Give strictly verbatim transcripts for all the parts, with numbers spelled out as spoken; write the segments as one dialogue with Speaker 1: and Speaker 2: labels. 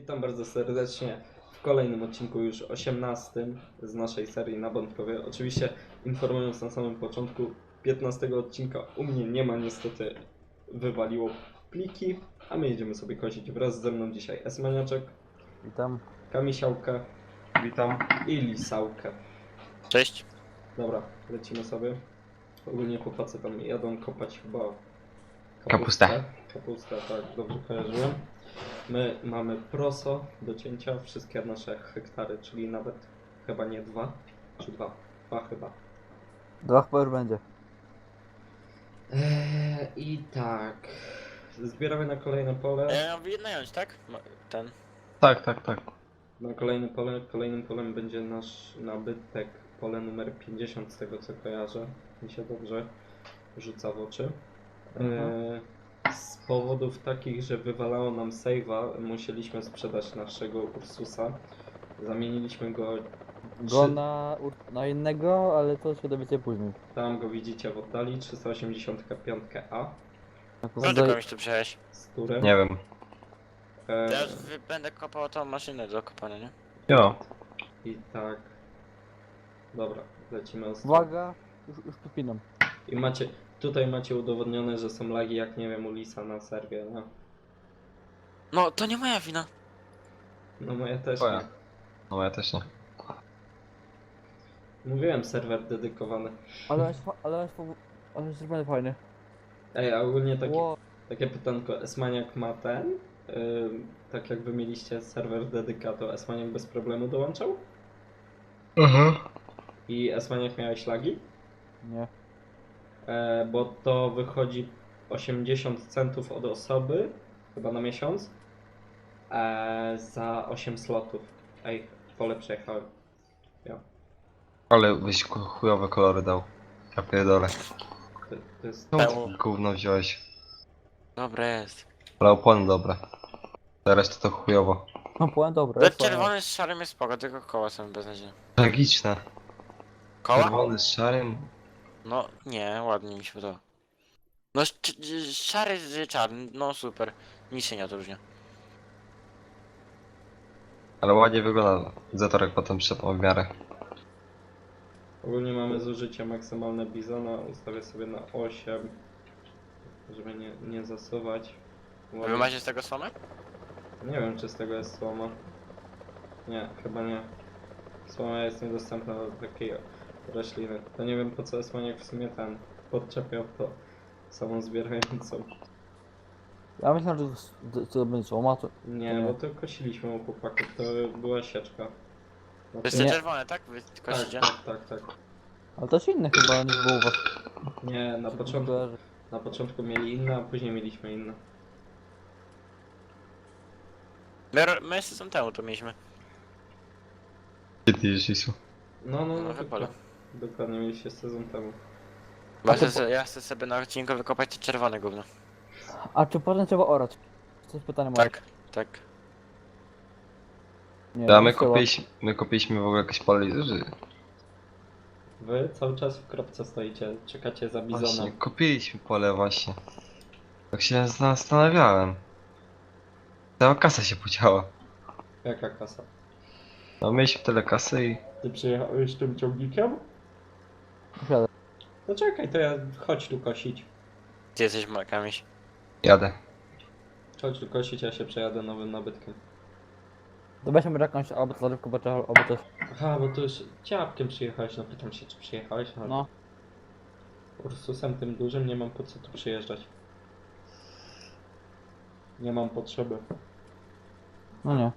Speaker 1: Witam bardzo serdecznie w kolejnym odcinku, już osiemnastym z naszej serii na Bątkowie. Oczywiście informując na samym początku, piętnastego odcinka u mnie nie ma, niestety wywaliło pliki, a my jedziemy sobie kosić. Wraz ze mną dzisiaj Esmaniaczek,
Speaker 2: Witam.
Speaker 1: Kamisiałkę,
Speaker 3: Witam.
Speaker 1: i Lisałkę.
Speaker 3: Cześć.
Speaker 1: Dobra, lecimy sobie. Ogólnie chłopacy tam jadą kopać chyba
Speaker 3: Kapustę.
Speaker 1: Kapustę, tak, dobrze kojarzyłem. My mamy proso do cięcia, wszystkie nasze hektary, czyli nawet chyba nie dwa, czy dwa, dwa chyba.
Speaker 2: Dwa chyba już będzie.
Speaker 1: Eee, I tak, zbieramy na kolejne pole.
Speaker 3: E, wynająć, tak? Ma- Ten.
Speaker 4: Tak, tak, tak.
Speaker 1: Na kolejne pole, kolejnym polem będzie nasz nabytek, pole numer pięćdziesiąt z tego co kojarzę, mi się dobrze rzuca w oczy. Eee, z powodów takich, że wywalało nam save'a, musieliśmy sprzedać naszego Ursusa. Zamieniliśmy go,
Speaker 2: Go
Speaker 1: Trzy-
Speaker 2: na, ur- na innego, ale to się dowiecie później.
Speaker 1: tam go widzicie w oddali, trzysta osiemdziesiąt pięć A
Speaker 3: Co ty komuś tu przyjechałeś?
Speaker 1: z turem.
Speaker 4: Nie wiem.
Speaker 1: Eee,
Speaker 3: Teraz wy- będę kopał tą maszynę do kopania, nie?
Speaker 4: Jo.
Speaker 1: I tak. Dobra, lecimy ostro.
Speaker 2: Uwaga, już, już tu pinam.
Speaker 1: I macie, tutaj macie udowodnione, że są lagi jak nie wiem u Lisa na serwie, no.
Speaker 3: No, to nie moja wina.
Speaker 1: No moja też
Speaker 4: Twoja.
Speaker 1: nie.
Speaker 4: No ja też nie.
Speaker 1: Mówiłem, serwer dedykowany.
Speaker 2: Ale jest, fa- ale jest, fa- ale jest zrobiony fajny.
Speaker 1: Ej, a ogólnie takie,
Speaker 2: Ło,
Speaker 1: takie pytanko, Esmaniak ma ten? Yy, tak jak wy mieliście serwer dedyka, to Esmaniak bez problemu dołączał?
Speaker 4: Mhm.
Speaker 1: I Esmaniak miałeś lagi?
Speaker 2: nie.
Speaker 1: E, bo to wychodzi osiemdziesiąt centów od osoby, chyba na miesiąc, e, za osiem slotów. Ej, pole przejechałem. Ja.
Speaker 4: Ale byś ku- chujowe kolory dał. Ja pierdolę.
Speaker 1: To, to jest...
Speaker 4: Czemu
Speaker 3: Pełno.
Speaker 4: ty gówno wziąłeś?
Speaker 3: Dobre jest.
Speaker 4: Ale opony dobre. Teraz to to chujowo.
Speaker 2: No powiem dobra.
Speaker 3: Ten
Speaker 2: jest fajny.
Speaker 3: czerwony z szarym jest spoko, tylko koła są beznadziejne.
Speaker 4: Tragiczne.
Speaker 3: Koła?
Speaker 4: Czerwony z szarym.
Speaker 3: No, nie, ładnie mi się podoba. No, sz- sz- szary z czarny, no super. Nic się nie odróżnia.
Speaker 4: Ale ładnie wygląda. Zatorek potem przyszedł w miarę.
Speaker 1: Ogólnie mamy zużycie maksymalne bizona, ustawię sobie na osiem, żeby nie, nie zasuwać.
Speaker 3: A wy macie z tego słomę?
Speaker 1: Nie wiem, czy z tego jest słoma. Nie, chyba nie. Słoma jest niedostępna do takiej rośliny. To nie wiem, po co Esmaniak w sumie ten podczepiał to samą zbierającą.
Speaker 2: Ja myślę, że to, to będzie słoma, to...
Speaker 1: Nie,
Speaker 2: Nie.
Speaker 1: bo to kosiliśmy u chłopaków, to była sieczka.
Speaker 3: To
Speaker 1: Znaczy,
Speaker 3: jest te
Speaker 2: Nie.
Speaker 3: czerwone, tak? Wy
Speaker 1: tak,
Speaker 3: kosicie?
Speaker 1: tak, tak, tak.
Speaker 2: Ale to jest inny chyba niż było u was.
Speaker 1: Nie, na
Speaker 2: Czy
Speaker 1: początku,
Speaker 2: kojarzy?
Speaker 1: na początku mieli inne, a później mieliśmy inne.
Speaker 3: My, ro- my sezon temu to mieliśmy.
Speaker 4: Gdzie ty jedziesz, Isu?
Speaker 1: No, no,
Speaker 3: No,
Speaker 1: no,
Speaker 3: chyba.
Speaker 1: dokładnie, dokładnie mieliście sezon temu.
Speaker 3: Bo
Speaker 2: A
Speaker 3: ja
Speaker 2: to
Speaker 3: chcę, ja chcę sobie na odcinku wykopać te czerwone gówno.
Speaker 2: A czy potem trzeba orać? To jest pytanie moje.
Speaker 3: Tak, tak.
Speaker 2: Nie,
Speaker 4: Ja my
Speaker 2: nie trzeba.
Speaker 4: kupiliśmy, my kupiliśmy w ogóle jakieś pole. że-
Speaker 1: Wy cały czas w kropce stoicie, czekacie za
Speaker 4: Właśnie,
Speaker 1: bizonem.
Speaker 4: kupiliśmy pole właśnie. Tak się zastanawiałem. Cała kasa się podziała.
Speaker 1: Jaka kasa?
Speaker 4: No mieliśmy tyle kasy i...
Speaker 1: Ty przyjechałeś tym ciągnikiem?
Speaker 2: Siadę.
Speaker 1: No czekaj, to ja chodź tu kosić.
Speaker 3: Ty jesteś makamiś.
Speaker 4: Jadę.
Speaker 1: Chodź tu kosić, ja się przejadę nowym nabytkiem.
Speaker 2: To weźmy może jakąś albo to zarywkę, bo trzeba- albo coś.
Speaker 1: Aha, bo tu już ciapkiem przyjechałeś, no pytam się, czy przyjechałeś, ale
Speaker 2: No.
Speaker 1: Ursusem tym dużym nie mam po co tu przyjeżdżać. Nie mam potrzeby.
Speaker 2: No nie.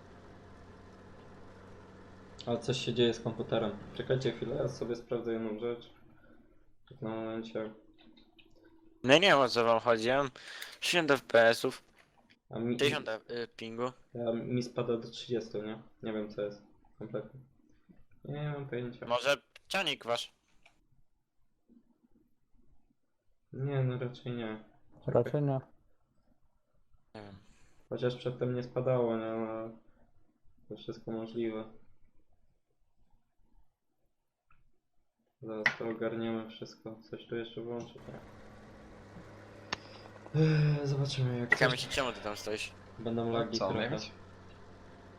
Speaker 1: Ale coś się dzieje z komputerem. Czekajcie chwilę, ja sobie sprawdzę jedną rzecz. Tak na momencie.
Speaker 3: No nie wiem o co wam chodzi, ja mam sześćdziesiąt F P S-ów,
Speaker 1: A mi,
Speaker 3: sześćdziesiąt y, pingu.
Speaker 1: ja, mi spada do trzydziestu, nie? Nie wiem co jest. Kompletnie. Nie mam pojęcia.
Speaker 3: Może cianik wasz?
Speaker 1: Nie, no raczej nie.
Speaker 2: Raczej nie.
Speaker 3: Nie wiem.
Speaker 1: Chociaż przedtem nie spadało, nie? No, to wszystko możliwe. Zaraz to ogarniemy wszystko. Coś tu jeszcze włączyć, nie? Eee, Zobaczymy jak
Speaker 3: Czekaj,
Speaker 1: coś...
Speaker 3: czemu ty tam stoisz?
Speaker 1: Będą lagi
Speaker 4: Co,
Speaker 1: trochę.
Speaker 4: mieć?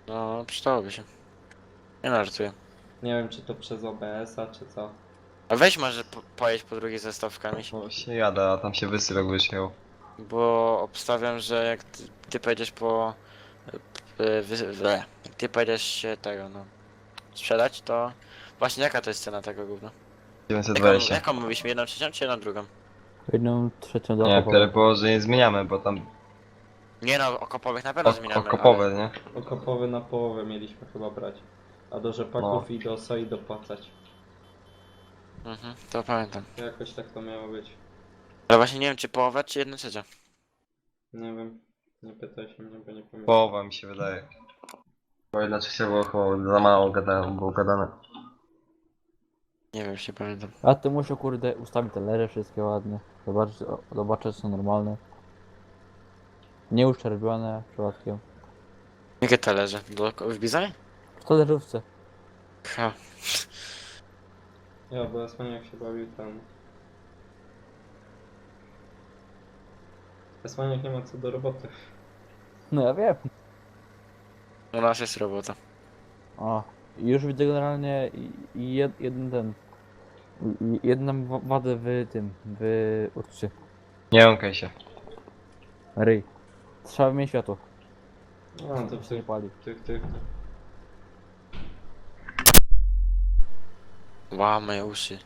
Speaker 3: No, przydałoby się. Nie no, żartuję.
Speaker 1: Nie wiem, czy to przez O B S a, czy co.
Speaker 3: A weź może po, pojedź po drugiej ze stawkami,
Speaker 4: No właśnie jadę, a tam się wysyłek wysiał.
Speaker 3: bo obstawiam, że jak ty, ty pojedziesz po... y, Wy, wy, jak ty pojedziesz się tego, no... sprzedać, to... Właśnie jaka to jest cena tego gówna?
Speaker 4: dziewięćset
Speaker 3: Jaką,
Speaker 4: dwadzieścia.
Speaker 3: jaką mówiliśmy? Jedną trzecią czy jedną drugą?
Speaker 2: Jedną trzecią do
Speaker 4: Nie,
Speaker 2: okopowej.
Speaker 4: tyle było, że nie zmieniamy, bo tam
Speaker 3: Nie no, okopowych na pewno
Speaker 4: ok
Speaker 3: zmieniamy,
Speaker 4: okopowe, nie?
Speaker 1: Okopowy na połowę mieliśmy chyba brać. A do rzepaków
Speaker 4: No.
Speaker 1: i do soi dopłacać.
Speaker 3: ale... Mhm, to pamiętam.
Speaker 1: Jakoś tak to miało być.
Speaker 3: Ale właśnie nie wiem, czy połowa, czy jedna trzecia.
Speaker 1: Nie wiem. Nie pytaj się mnie, bo nie pamiętam.
Speaker 4: Połowa mi się wydaje. Bo jedna trzecia było chyba za mało gadane, było gadane.
Speaker 3: Nie wiem, już nie pamiętam.
Speaker 2: A ty muszę kurde ustawić te leże wszystkie ładnie. Zobaczyć, o, zobaczyć czy są normalne. Nie uszczerbione przypadkiem.
Speaker 3: Jakie talerze? Do, w Bizonie?
Speaker 2: W talerzówce.
Speaker 3: Ha.
Speaker 1: Ja, bo Esmaniak się bawił tam. Esmaniak nie ma co do roboty.
Speaker 2: No ja wiem.
Speaker 3: U nas jest robota.
Speaker 2: O, i już widzę generalnie i- i jed, jeden ten. i- i jedną wa- wadę w tym, w uczcie.
Speaker 4: Nie jąkaj się.
Speaker 2: Ryj. Trzeba mieć światło.
Speaker 1: A, to
Speaker 2: To się nie
Speaker 1: tych,
Speaker 2: pali.
Speaker 1: tych, tych.
Speaker 3: Ła, moje uszy.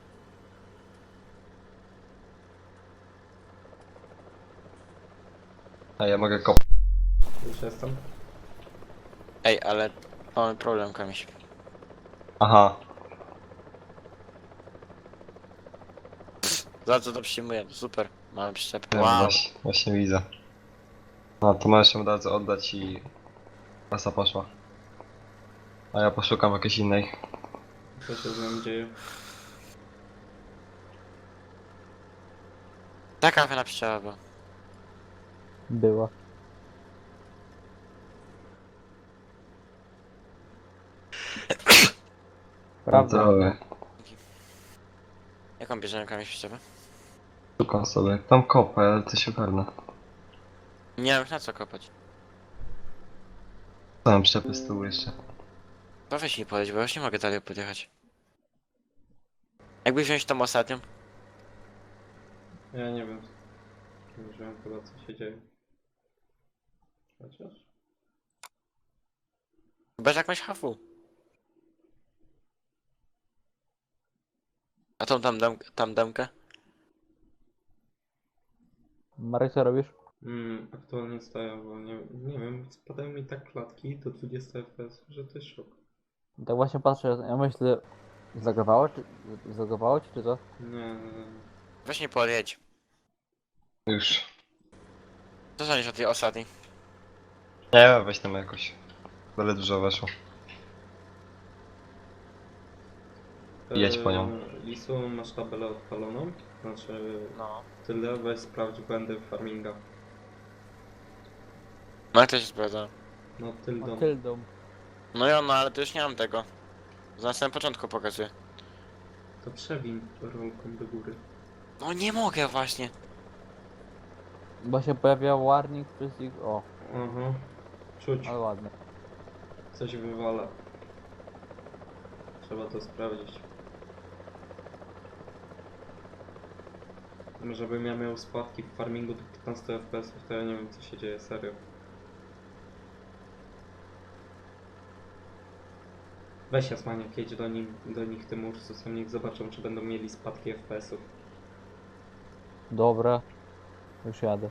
Speaker 4: A ja mogę kopać.
Speaker 1: Już jestem.
Speaker 3: Ej, ale mamy problem, Kamiś.
Speaker 4: Aha.
Speaker 3: Za co to przyjmuję? Super. Mamy przyczepę.
Speaker 4: Wiem,
Speaker 3: Wow.
Speaker 4: właśnie, właśnie widzę. No to możesz ją od razu oddać i... Klasa poszła. A ja poszukam jakiejś innej.
Speaker 1: Co się z nami dzieje?
Speaker 3: Taka fajna przyczepa była.
Speaker 2: Była. Prawda.
Speaker 4: Prawda.
Speaker 3: Jaką bierzemy, Kamiś, przyczepę?
Speaker 4: Szukam sobie. Tam kopę, ale to się ogarnę.
Speaker 3: Nie mam już na co kopać.
Speaker 4: Co mam przyczepy z tyłu jeszcze?
Speaker 3: To weź mi podejść, bo ja już nie mogę dalej podjechać. Jakby wziąć tą ostatnią?
Speaker 1: Ja nie wiem. Nie wiem chyba co się dzieje. Chociaż.
Speaker 3: Bez jakąś hafu. A tą tam, dam, tam damkę?
Speaker 2: Marek, co robisz?
Speaker 1: Mm, aktualnie stoję, bo nie, nie wiem, spadają mi tak klatki do dwudziestu F P S, że to jest szok.
Speaker 2: Tak właśnie patrzę, ja myślę, zlagowało czy, zlagowało ci czy co?
Speaker 1: Nie, nie, nie.
Speaker 3: Weź mi podjedź.
Speaker 4: Już.
Speaker 3: Co sądzisz o tej ostatniej?
Speaker 4: Nie wiem, weź tam jakoś. Byle dużo weszło. Jedź po nią.
Speaker 1: Eee, Lisu, masz tabelę odpaloną? Znaczy,
Speaker 3: No.
Speaker 1: tyle, weź sprawdź błędy farminga.
Speaker 3: No jak to się sprawdza?
Speaker 1: No,
Speaker 2: O,
Speaker 1: tyldą.
Speaker 2: tyldą.
Speaker 3: No ja, no ale to już nie mam tego. Na samym początku pokazuję.
Speaker 1: To przewin rolką do góry.
Speaker 3: No nie mogę właśnie.
Speaker 2: Bo się pojawia warning przez ich... O,
Speaker 1: Aha. Czuć,
Speaker 2: ale ładnie.
Speaker 1: coś wywala. Trzeba to sprawdzić. Żebym ja miał spadki w farmingu do piętnastu F P S, to ja nie wiem co się dzieje, serio. Weź Jasmaniak, jedź do, nim, do nich tym Ursusem, niech zobaczą czy będą mieli spadki F P S-ów.
Speaker 2: Dobra. Już jadę.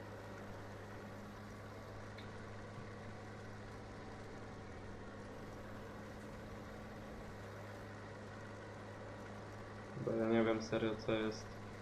Speaker 1: Bo ja nie wiem serio co jest.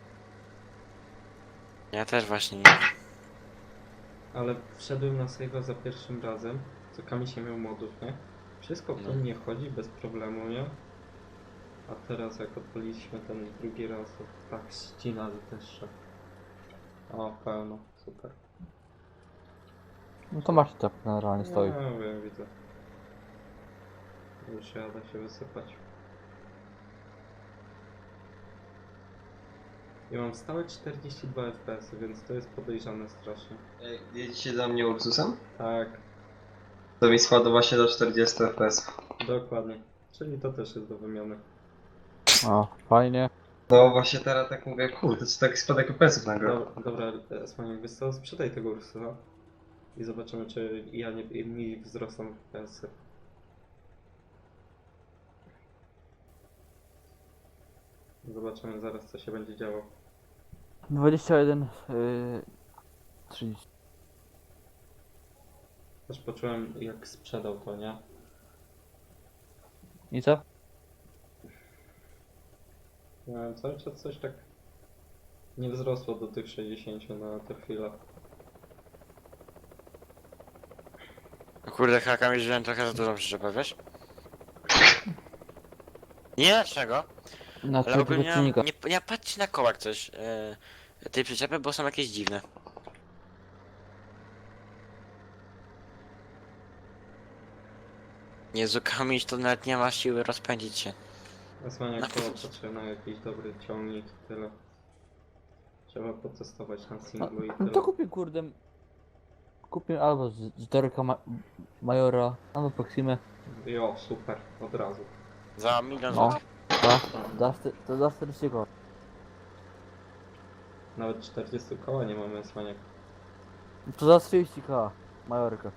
Speaker 3: Ja też właśnie nie.
Speaker 1: Ale wszedłem na save'a za pierwszym razem, co Kamiś nie miał modów, nie? Wszystko w
Speaker 3: No.
Speaker 1: tym nie chodzi bez problemu, nie? A teraz jak odpaliliśmy ten drugi raz, to tak ścina, że też szok. O, pełno, super.
Speaker 2: No to masz to generalnie stoi.
Speaker 1: No, wiem, widzę. Już jadę się wysypać. I mam stałe czterdzieści dwa F P S-y, więc to jest podejrzane strasznie.
Speaker 4: Ej, jedziecie za mnie Ursusem?
Speaker 1: Tak,
Speaker 4: To To mi spadło właśnie do czterdziestu F P S.
Speaker 1: Dokładnie. Czyli to też jest do wymiany.
Speaker 2: O, fajnie.
Speaker 4: No właśnie teraz tak mówię, kurde, co taki spadek F P S-ów nagle.
Speaker 1: Dobra, dobra Esmaniak, wiesz co, sprzedaj tego Ursusa i zobaczymy, czy ja nie, mi wzrosną F P S-y. Zobaczymy zaraz, co się będzie działo.
Speaker 2: dwadzieścia jeden, yy, trzydzieści.
Speaker 1: Też poczułem, jak sprzedał to, nie?
Speaker 2: I co?
Speaker 1: Miałem cały czas coś tak nie wzrosło do tych sześćdziesięciu na tę chwilę.
Speaker 3: O kurde, haka mi wziąłem trochę za dużą przyczepę, wiesz? Nie dlaczego,
Speaker 2: Na
Speaker 3: ale ogólnie
Speaker 2: trzeciego czynnika.
Speaker 3: nie, nie patrzcie na kołak coś yy, tej przyczepy, bo są jakieś dziwne. Jezu, Kamiś, to nawet nie ma siły rozpędzić się.
Speaker 1: Esmaniak
Speaker 3: No.
Speaker 1: to potrzebny na jakiś dobry ciągnik i tyle. Trzeba potestować na
Speaker 2: No,
Speaker 1: singlu i
Speaker 2: no
Speaker 1: tyle.
Speaker 2: to kupię kurde. Kupię albo z, z Dorka ma Majora, albo Proximę.
Speaker 1: Jo, super, od razu.
Speaker 3: Za milion
Speaker 2: No.
Speaker 3: złotych.
Speaker 2: Da, da, sty- to da czterdzieści koła.
Speaker 1: Nawet czterdzieści koła nie mamy Esmaniak.
Speaker 2: To za trzydzieści koła. Majorka.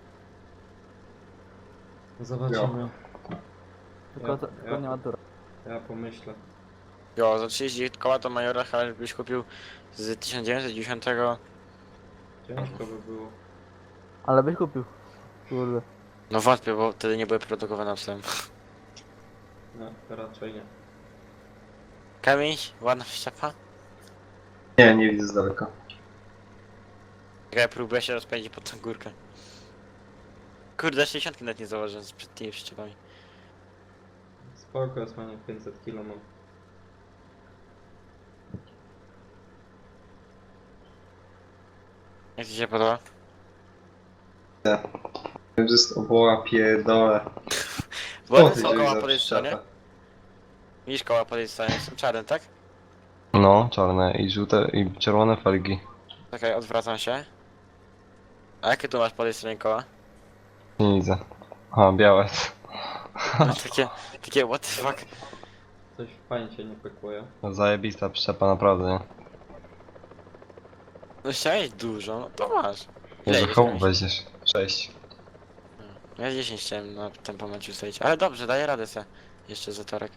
Speaker 1: Zobaczymy.
Speaker 2: Tylko,
Speaker 1: Ja-
Speaker 2: to,
Speaker 1: ja-
Speaker 2: tylko nie ma tura.
Speaker 1: Ja pomyślę.
Speaker 3: Jo, za trzydzieści koła to Majora chyba byś kupił z tysiąc dziewięćset dziewięćdziesiątego.
Speaker 1: Ciężko by było.
Speaker 2: Ale byś kupił. Kurde.
Speaker 3: No wątpię, bo wtedy nie były produkowane psem.
Speaker 1: No, raczej nie.
Speaker 3: Kamień, ładna przyczepa.
Speaker 4: Nie, nie widzę z daleka.
Speaker 3: Jak ja próbuję się rozpędzić pod tą górkę. Kurde, sześćdziesiąt nawet nie założę z przed tymi przyczepami.
Speaker 1: Spoko, Esmaniak, pięćset kilo mam.
Speaker 3: Jak ci się podoba?
Speaker 4: To jest oboła pierdolę.
Speaker 3: Bo
Speaker 4: Co
Speaker 3: one
Speaker 4: ty
Speaker 3: są
Speaker 4: wziąłeś
Speaker 3: koła
Speaker 4: za
Speaker 3: po tej stronie.
Speaker 4: przyczepę?
Speaker 3: Widzisz koła po tej stronie, są czarne, tak?
Speaker 4: No, czarne i żółte i czerwone felgi.
Speaker 3: Czekaj, odwracam się. A jakie tu masz po tej stronie koła?
Speaker 4: Nie widzę. A, białe.
Speaker 3: No, takie, takie what the fuck.
Speaker 1: Coś w pańcie nie pykuje.
Speaker 4: No, zajebista przyczepa, naprawdę, nie?
Speaker 3: No chciałeś dużo, no to masz.
Speaker 4: Jezu,
Speaker 3: jedziesz,
Speaker 4: komu
Speaker 3: Kamiś?
Speaker 4: weźmiesz? Sześć.
Speaker 3: Ja dziesięć chciałem na tym momencie ustawić, ale dobrze, daję radę se. Jeszcze za torek.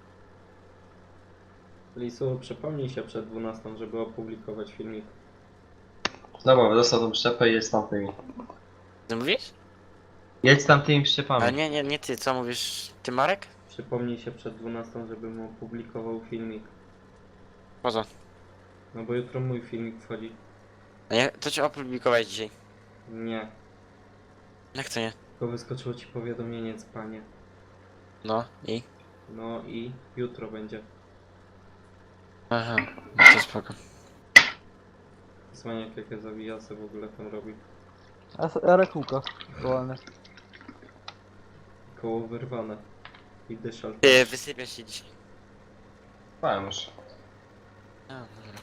Speaker 1: Lisu, przypomnij się przed dwunastą, żeby opublikować filmik.
Speaker 4: Dobra, dostał tą przyczepę i jedź z tamtymi.
Speaker 3: Ty mówisz?
Speaker 4: Jedź z tamtymi przyczepami.
Speaker 3: A nie, nie, nie ty, co mówisz? Ty Marek?
Speaker 1: Przypomnij się przed dwunastą, żebym opublikował filmik.
Speaker 3: Po co?
Speaker 1: No bo jutro mój filmik wchodzi.
Speaker 3: A nie, to cię opublikować dzisiaj.
Speaker 1: Nie.
Speaker 3: Jak to nie?
Speaker 1: Tylko wyskoczyło ci powiadomienie, panie.
Speaker 3: No i?
Speaker 1: No i jutro będzie.
Speaker 3: Aha, no to spoko.
Speaker 1: Esmaniak, jakie zawijasy w ogóle tam robi.
Speaker 2: A s- a rekółka. Aktualnie.
Speaker 1: Koło wyrwane. I dyszal.
Speaker 3: Ty, wysypiesz się dzisiaj.
Speaker 4: Spałem już.
Speaker 3: A, dobra.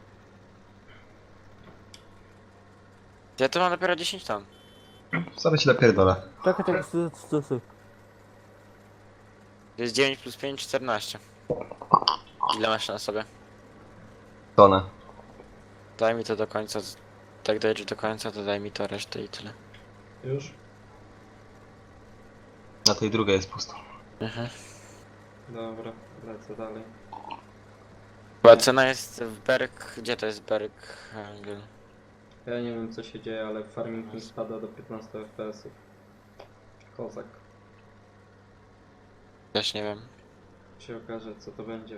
Speaker 3: Ja tu mam dopiero dziesięć ton.
Speaker 4: Zaraz ci napierdolę.
Speaker 2: Czekaj, czekaj, stój, stój, stój.
Speaker 3: To jest dziewięć plus pięć, czternaście. Ile masz na sobie?
Speaker 4: Tonę.
Speaker 3: Daj mi to do końca. Tak dojedziesz do końca, to daj mi to resztę i tyle.
Speaker 1: Już?
Speaker 4: Na tej drugiej jest pusto.
Speaker 3: Mhm.
Speaker 1: Dobra, lecę dalej.
Speaker 3: Chyba cena jest w Berg... Gdzie to jest Berg? Angel?
Speaker 1: Ja nie wiem co się dzieje, ale farming mi spada do piętnastu F P S-ów. Kozak.
Speaker 3: Też nie wiem.
Speaker 1: Się okaże co to będzie.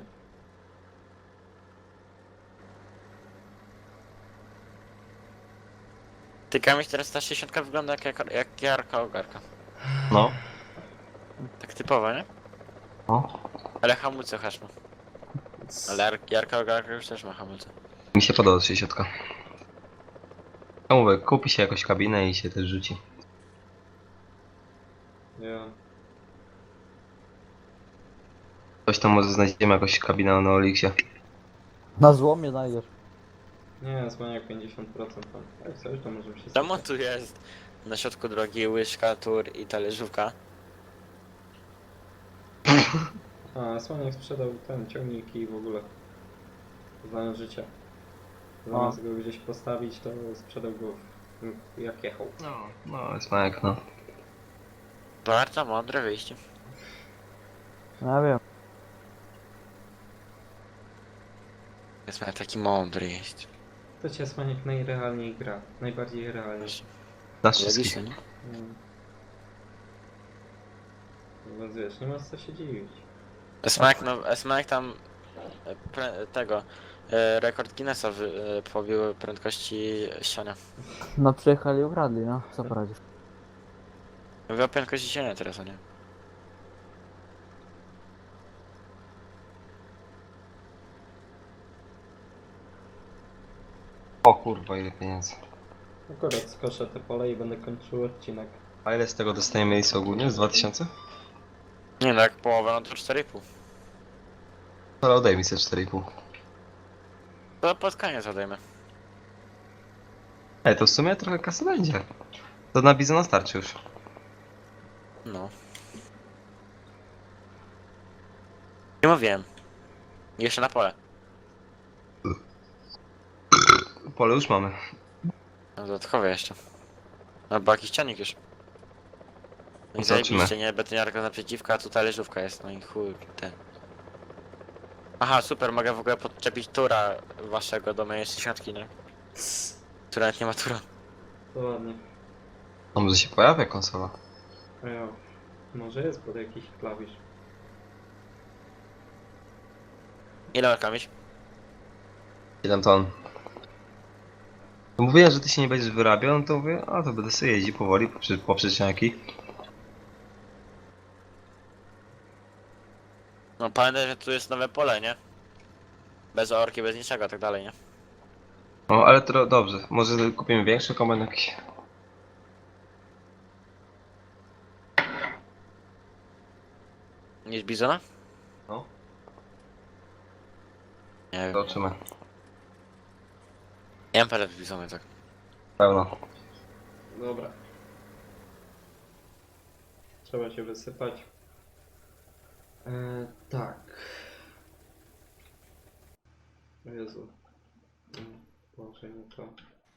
Speaker 3: Ty Kamiś, teraz ta sześćdziesiątka wygląda jak, jak, jak jarka ogarka.
Speaker 4: No.
Speaker 3: Tak typowo, nie?
Speaker 4: No.
Speaker 3: Ale hamulce hasz ma. Ale jar, jarka ogarka już też ma hamulce.
Speaker 4: Mi się podoba sześćdziesiąt. Ja mówię, kupi się jakąś kabinę i się też rzuci.
Speaker 1: Ja.
Speaker 4: Coś tam może znajdziemy jakąś kabinę na Olixie.
Speaker 2: Na złomie znajdziesz.
Speaker 1: Nie, Esmaniak pięćdziesiąt procent tam. Jak coś to możemy się
Speaker 3: Czemu
Speaker 1: spotkać.
Speaker 3: tu jest? na środku drogi łyżka, tur i talerzówka.
Speaker 1: A, Słaniak sprzedał ten ciągnik i w ogóle. Znałem życia. Zamiast go gdzieś postawić, to sprzedał go w- jak jechał.
Speaker 4: No, no jest Majek, no.
Speaker 3: Bardzo mądre wyjście.
Speaker 2: Ja wiem.
Speaker 3: Jest miał taki mądry jest.
Speaker 1: To cię Słaniak najrealniej gra. Najbardziej realnie.
Speaker 4: Nas wszystkich.
Speaker 3: Logiczne, nie?
Speaker 1: Mm. Więc wiesz, nie masz co się dziwić.
Speaker 3: Smack, no, Smack tam e, pre, tego e, rekord Guinnessa wy, e, pobił prędkości siania.
Speaker 2: No przyjechali i ukradli, no. Co poradzisz?
Speaker 3: Mówię o prędkości siania teraz, a nie?
Speaker 4: O kurwa, ile pieniędzy.
Speaker 1: Akurat skoszę te pole i będę kończył odcinek.
Speaker 4: A ile z tego dostajemy miejsca ogólnie? Z dwa tysiące?
Speaker 3: Nie no, jak połowę, no to cztery i pół.
Speaker 4: Ale odejmij sobie cztery i pół.
Speaker 3: To pod koniec odejmę.
Speaker 4: Ej, to w sumie trochę kasy będzie. To na bizona starczy już.
Speaker 3: No. Nie mówiłem. Jeszcze na pole.
Speaker 4: Pole już mamy.
Speaker 3: No dodatkowe jeszcze. Albo jakiś cianik już. No i
Speaker 4: Zobaczymy.
Speaker 3: zajebiście, nie? Betoniarka naprzeciwka, a tu talerzówka jest, no i chuj, ten. Aha, super, mogę w ogóle podczepić tura waszego do mojej sąsiadki, nie? Która nawet nie ma tura.
Speaker 1: To ładnie.
Speaker 4: A może się pojawia konsola?
Speaker 1: A ja, może jest pod jakiś klawisz.
Speaker 3: Ile ma kamiś?
Speaker 4: siedem ton. No mówiłem, że ty się nie będziesz wyrabiał, no to mówię, a to będę sobie jeździł powoli poprzez, poprzez ścianki.
Speaker 3: No pamiętaj, że tu jest nowe pole, nie? Bez orki, bez niczego, tak dalej, nie?
Speaker 4: O, ale to dobrze. Może kupimy większy kombajn jakiś.
Speaker 3: Niż bizona?
Speaker 4: No.
Speaker 3: Nie wiem.
Speaker 4: Zobaczymy.
Speaker 3: Nie mam parę bizony, tak.
Speaker 4: Pełno.
Speaker 1: Dobra. Trzeba się wysypać. E, tak. O Jezu. Mm, Boże, nie to.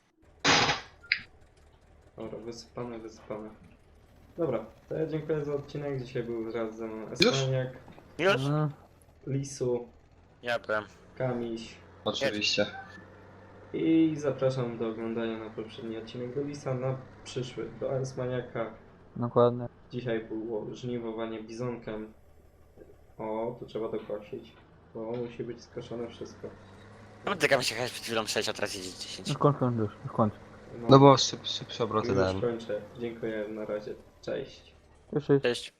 Speaker 1: Dobra, wysypane, wysypane. Dobra, to ja dziękuję za odcinek. Dzisiaj był wraz ze mną Esmaniak,
Speaker 3: Już?
Speaker 2: No,
Speaker 1: Lisu,
Speaker 3: Ja byłem.
Speaker 1: Kamiś
Speaker 4: Oczywiście.
Speaker 1: i zapraszam do oglądania na poprzedni odcinek do Lisa, na przyszły do Esmaniaka.
Speaker 2: dokładnie.
Speaker 1: Dzisiaj było żniwowanie bizonkiem. O, tu trzeba dokosić, bo musi być skoszone wszystko.
Speaker 3: No ty kamiś jechałeś przed chwilą sześć, a teraz jedzie
Speaker 2: No
Speaker 3: dziesięć.
Speaker 2: kończ, kończ już, już kończ.
Speaker 4: No bo szyb, szybsze obroty
Speaker 1: już
Speaker 4: dałem.
Speaker 1: kończę. Dziękuję, na razie. Cześć.
Speaker 2: Cześć, cześć.
Speaker 3: Cześć.